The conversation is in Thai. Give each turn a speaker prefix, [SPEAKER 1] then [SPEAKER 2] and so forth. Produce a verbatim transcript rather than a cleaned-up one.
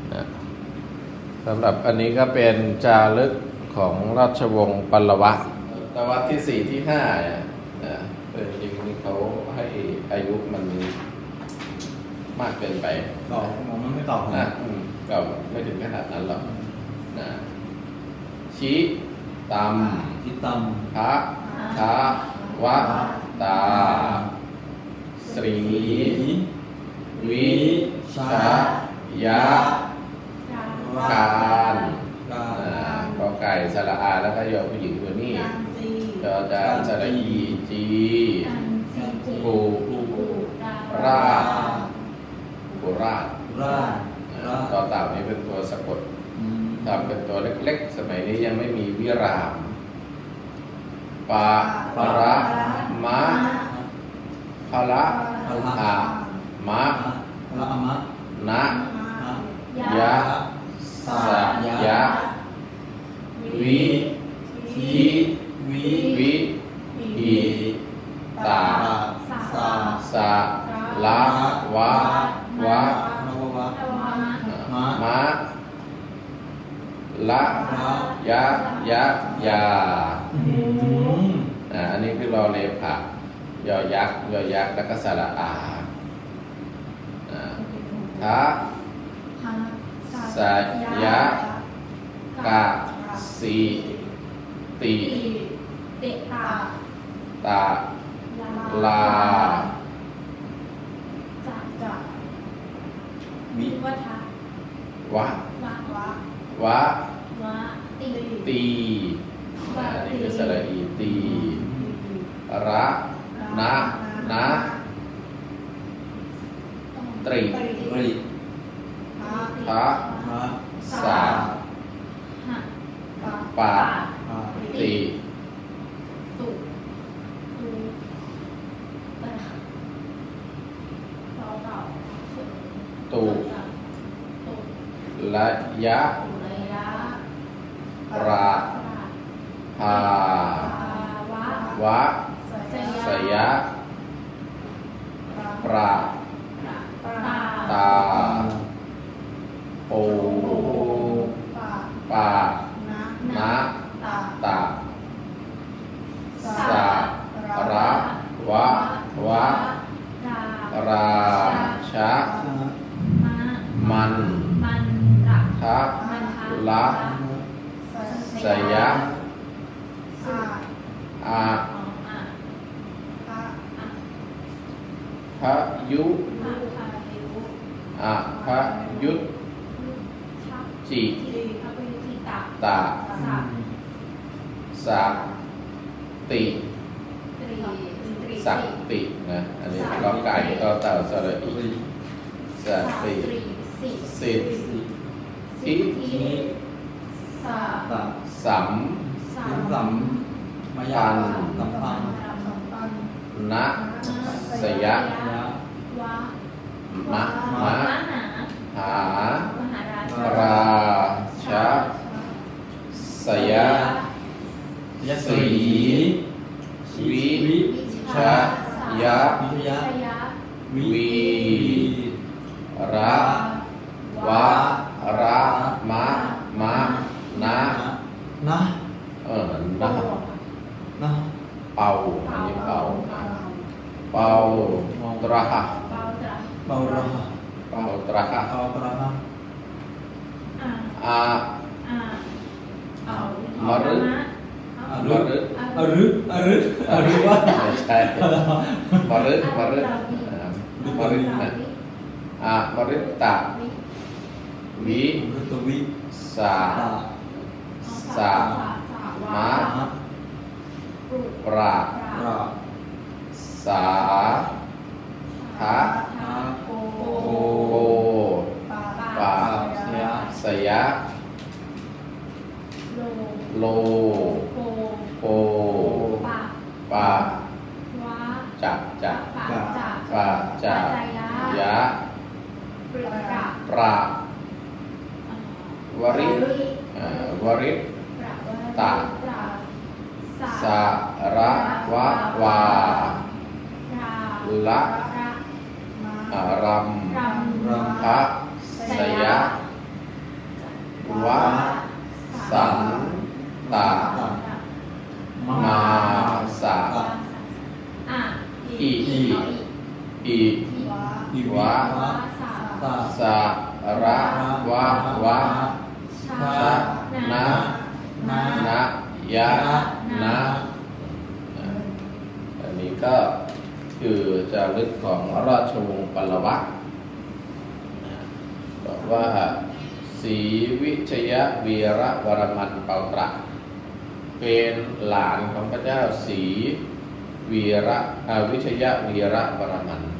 [SPEAKER 1] นะสำหรับอันนี้ก็เป็นจารึกของราชวงศ์ปัลลวะศตวรรษที่สี่ที่ห้าเนี่ยนะเป็นจริงๆเขาให้อายุมันมากเกินไป
[SPEAKER 2] ตอบผมมันไม่ตอบผม
[SPEAKER 1] นะอืมก็ไม่ถึงขนาดนั้นหรอกนะชี้ต
[SPEAKER 2] ทิตำ
[SPEAKER 1] ำพระทาวะตาสรีวิชายะการอ่ากอไก่สระอาแล้วก็ยอผู้หญิงตัวนี้จอจานสระอีจีกูราชกุราช
[SPEAKER 2] ราช
[SPEAKER 1] อ่าต่อเต่านี้เป็นตัวสะกด
[SPEAKER 2] อืม
[SPEAKER 1] ทำเป็นตัวเล็กๆ สมัยนี้ยังไม่มีวิรามปะปะระมะพะละอะมะ
[SPEAKER 2] พระอมะ
[SPEAKER 1] นะ
[SPEAKER 2] นะ
[SPEAKER 1] ยะสะยะวิทิ
[SPEAKER 2] วิ
[SPEAKER 1] วิหิตา
[SPEAKER 2] สา
[SPEAKER 1] สะละวะวะ
[SPEAKER 2] นววะ
[SPEAKER 1] มะมะละยะยะยา
[SPEAKER 2] อืม
[SPEAKER 1] อ่าอันนี้คือรอเลผะยอยักษ์ยอยักษ์แล้วก็สระอาอ่าทะสะยะกะสีติ
[SPEAKER 3] เตะตา
[SPEAKER 1] ตาลา
[SPEAKER 3] จะจะ
[SPEAKER 2] วิ
[SPEAKER 3] วัฏะ
[SPEAKER 1] วะ
[SPEAKER 3] วะวะ
[SPEAKER 1] วะ
[SPEAKER 3] วะตี
[SPEAKER 1] ตีอ่าอันนี้คือสระอีตีระนะนะตรี
[SPEAKER 2] ริ
[SPEAKER 1] ทะ
[SPEAKER 2] พระ
[SPEAKER 1] สา
[SPEAKER 3] หะ
[SPEAKER 1] ปะ
[SPEAKER 2] พระ
[SPEAKER 1] ติ
[SPEAKER 3] ตุตุตะต่อต่อ
[SPEAKER 1] ตุ
[SPEAKER 3] ตุ
[SPEAKER 1] ละยะ
[SPEAKER 3] ตุระยะ
[SPEAKER 1] ราภา
[SPEAKER 3] ภาวะ
[SPEAKER 1] วะ สยะปรา
[SPEAKER 3] ตา
[SPEAKER 1] ตาโอปานะตาสะระวะวะ
[SPEAKER 3] รา
[SPEAKER 1] ราชะ
[SPEAKER 3] มะ
[SPEAKER 1] มัน
[SPEAKER 3] มันระ
[SPEAKER 1] ทะ
[SPEAKER 3] มันทะ
[SPEAKER 1] ละสยะอา
[SPEAKER 3] อ๋ออ่ะอ่ะ
[SPEAKER 1] พะยุ
[SPEAKER 3] อ่ะพายุ
[SPEAKER 1] อะพะยุต
[SPEAKER 3] ชัก
[SPEAKER 1] จิ
[SPEAKER 3] ทีพระพุทธิตา
[SPEAKER 1] ตา
[SPEAKER 3] สัก
[SPEAKER 1] สักติ
[SPEAKER 3] ตรีตรี
[SPEAKER 1] สักตินะอันนี้ก็ไก่ก็เต่าสระอี
[SPEAKER 2] ริ
[SPEAKER 1] สักติ
[SPEAKER 3] สิ
[SPEAKER 1] สิท
[SPEAKER 2] สิ
[SPEAKER 1] ธิ
[SPEAKER 3] ทีสา
[SPEAKER 2] ตะ
[SPEAKER 1] สัม
[SPEAKER 3] สา
[SPEAKER 2] สิ
[SPEAKER 3] ม
[SPEAKER 2] สัมมายาสัมพันธ์
[SPEAKER 1] นะสยะ
[SPEAKER 2] ยะ
[SPEAKER 3] วะ
[SPEAKER 1] มะ
[SPEAKER 3] ม
[SPEAKER 1] มะ
[SPEAKER 3] หา
[SPEAKER 1] หา
[SPEAKER 3] มหาราช
[SPEAKER 1] ราชะสยะ
[SPEAKER 2] ยะ
[SPEAKER 1] สี วิ
[SPEAKER 2] วิ
[SPEAKER 1] ชะยะ
[SPEAKER 2] วิทยะ
[SPEAKER 3] ชยะ
[SPEAKER 2] วิ
[SPEAKER 1] วีระวะระมะมะนะ
[SPEAKER 2] นะ
[SPEAKER 1] เออนะ
[SPEAKER 2] นะ
[SPEAKER 1] เป่าอันนี้เป่าเป่าตระหะ
[SPEAKER 3] เบาตระ
[SPEAKER 2] เบาระหะ
[SPEAKER 1] เป่าตระหะ
[SPEAKER 2] เบาตระหะ
[SPEAKER 3] อ่า
[SPEAKER 1] อา
[SPEAKER 3] อ่าเอา
[SPEAKER 1] มรึ
[SPEAKER 2] อ
[SPEAKER 1] ม
[SPEAKER 2] รึ
[SPEAKER 1] รึ
[SPEAKER 2] อรึอรึอรึว่า
[SPEAKER 1] ไม่ใช่มรึมรึอ่ามรึนะอามรึตะวิ
[SPEAKER 2] รุตวิ
[SPEAKER 1] สา
[SPEAKER 2] ตา
[SPEAKER 1] สา มะ
[SPEAKER 2] มะ
[SPEAKER 1] ปรา
[SPEAKER 2] รา
[SPEAKER 1] สาทะ
[SPEAKER 3] โก
[SPEAKER 1] โกปา
[SPEAKER 2] เสีย
[SPEAKER 1] สยะ
[SPEAKER 3] โล
[SPEAKER 1] โล
[SPEAKER 3] โก
[SPEAKER 1] โก
[SPEAKER 3] ปะ
[SPEAKER 1] ปะ
[SPEAKER 3] วะ
[SPEAKER 1] จักจัก
[SPEAKER 3] ปะจัก
[SPEAKER 1] ปะจัก
[SPEAKER 3] ปัจจ
[SPEAKER 1] ยะ
[SPEAKER 3] ปริกะ
[SPEAKER 1] ปราว ริเอ่อวริ
[SPEAKER 3] ประวริ
[SPEAKER 1] ตะ
[SPEAKER 3] ตะ
[SPEAKER 1] สาระวะวา
[SPEAKER 3] รา
[SPEAKER 1] ละ
[SPEAKER 3] ระ
[SPEAKER 1] อารัม
[SPEAKER 3] รำ
[SPEAKER 2] รำ
[SPEAKER 1] พระสยะ
[SPEAKER 3] พ
[SPEAKER 1] วะสันตะ
[SPEAKER 2] มา
[SPEAKER 1] มาสะ
[SPEAKER 3] อ่ะ
[SPEAKER 1] อิ
[SPEAKER 3] อี
[SPEAKER 1] อิ
[SPEAKER 3] วะ
[SPEAKER 2] อิ
[SPEAKER 1] วะ
[SPEAKER 3] วะสา
[SPEAKER 2] ตา
[SPEAKER 1] สะระวะวะ
[SPEAKER 3] ชา
[SPEAKER 1] ชะนะ
[SPEAKER 3] นะ
[SPEAKER 1] นะยะนะอันนี้ก็คือจารึกของราชวงศ์ปลวะบอกว่าศรีวิชยวีระวรมันเปาตระเป็นหลานของพระเจ้าศรีวีระอ่าวิชยวีระวรมัน